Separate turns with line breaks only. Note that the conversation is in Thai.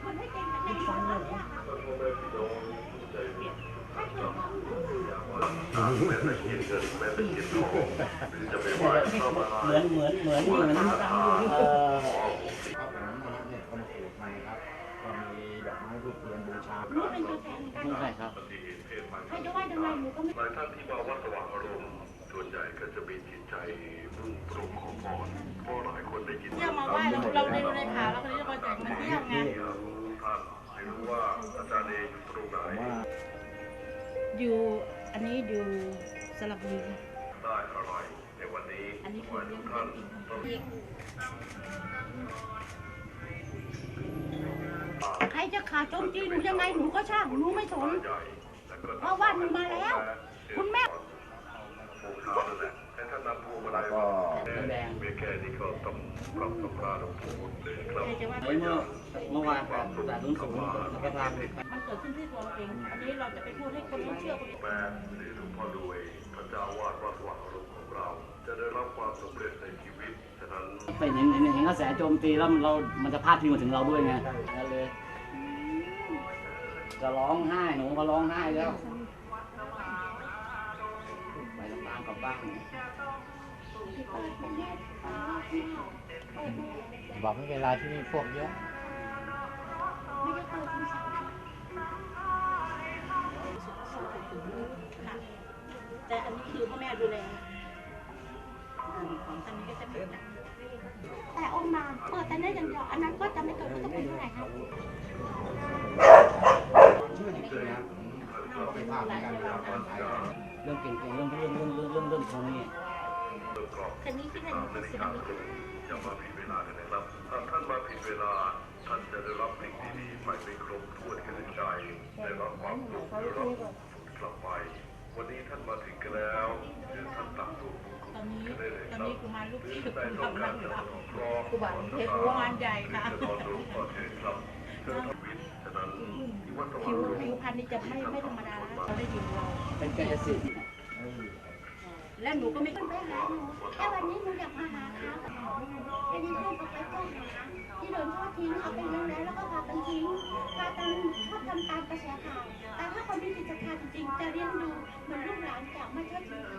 คนให้เก่งคะแนนตอนนี้ค่ะ
เนี่ยก็มาปลูกใหม่ครับก็มีดอกไม้รูปเทียนบูชา
รู้เป็นตัวแทนกัน
ใช่ครับ
ใครจะว่ายังไงหนูก็ไม่
หลายท่านที่มาวัดสว่างอารมณ์ส่วนใหญ่ก็จะมีจิตใจมุ่งตรงขอพรเพราะหลายคนได้ยิน
เที่ยวมาไหว้เราได้ดูในข่าวแล้วก็เลยมาจากมาเที่ยวไง
ท่านไม่รู้ว่าอาจารย์เออยู่ตรงไหน
อยู่อันนี้อยู่สระบุรี
ได้อะไรในวันนี้
อันนี้คือ
วัน
เรื่อง
ท่าน
จริง
ใครจะขาดโจมตีหนูยังไงหนูก็ช่างหนูไม่สน
ใหญ่และก็
เพราะว่าหนูมาแล้ว คุณแม่
บูชานั่นแหละให้ท่านนำพวงมาลัยมาแดงเบี้ยแค่นี้ก็ต้องปรับสภาพของผมเลยครับ
จะว่า
เมื่อวานครับแต่ลุ้นสูงแล้วก็ทำ
มันเกิดขึ้นที่ตัวเราเอง อันนี้เราจะไปพูดให้คนไม่เชื่อคน
แม่หรือหลวงพ่อรวยพระเจ้าวาดวัดสว่างอารมณ์ของเรา จะได้รับความสำเร็จในชีวิตฉะนั้น
เป็นเห็นกระแสโจมตีแล้วมันจะพาดพิงมาถึงเราด้วยไงนั่นเลยจะร้องไห้หนูก็ร้องไห้แล้วไปลำบากกลับบ้านบอกไม่เป็นไรที่นี่พวกเยอะ
ไม่ได้เปิดคุณสาว
ค่ะแต่อันนี้คือพ่อแม่ดูแลอันนี้ก็จะเป็นอย่าง
แต่องค์มาเปิดแต่ได้อย่างเดียวอันนั้นก็จะไม่เกิดก็จะเป็นเท่าไหร่คะ
ชื่อจริงๆนะเราไปภาพในการทำตอนไทยเรื่องเก่งๆเรื่องพวกนี้
แต่นี้ที่เป็น
นาฬิกาตรงอย่ามาผิดเวลาเลยนะครับถ้าท่านมาผิดเวลาท่านจะได้รับสิ่งดีๆไปไม่ครบถ้วนกันในใจได้รับความสุขได้รับความสุขกลับไป วันนี้ท่านมาถึงกันแล้วเชิญท่านตักตัวบุญ
ตอนนี้
กันได้เลย
ตอน
ครับ
นี้กุมารลูกเทพ
ได้
กำ
ต้อง
ลั
กาง รจะ
รับ
สนองร้อง
กุมารเทพกุมารใหญ่ค่ะ
จะนอนรู้ก่อนเชิญครับเชิญชีวิตฉะนั้นที่วัดสว่าง
ผิว
อารมณ์
ผิวพรรณนี่จะไม่ธรรมดานะเขาได้ยินเรา
เป็นกายสิทธิ์
และหนูก็ไม่
คุณไปหาหนูแค่วันนี้หนูอยากมาหาเขาแต่นี่ลูกก็ไปต้มที่โดนทอดทิ้งเอาไปเลี้ยงแล้วก็พากันทิ้งพากันชอบทำตามกระแสข่าวแต่ถ้าคนมีจิตศรัทธาจริงๆจะเลี้ยงดูเหมือนลูกหลานจากมาเชิดชู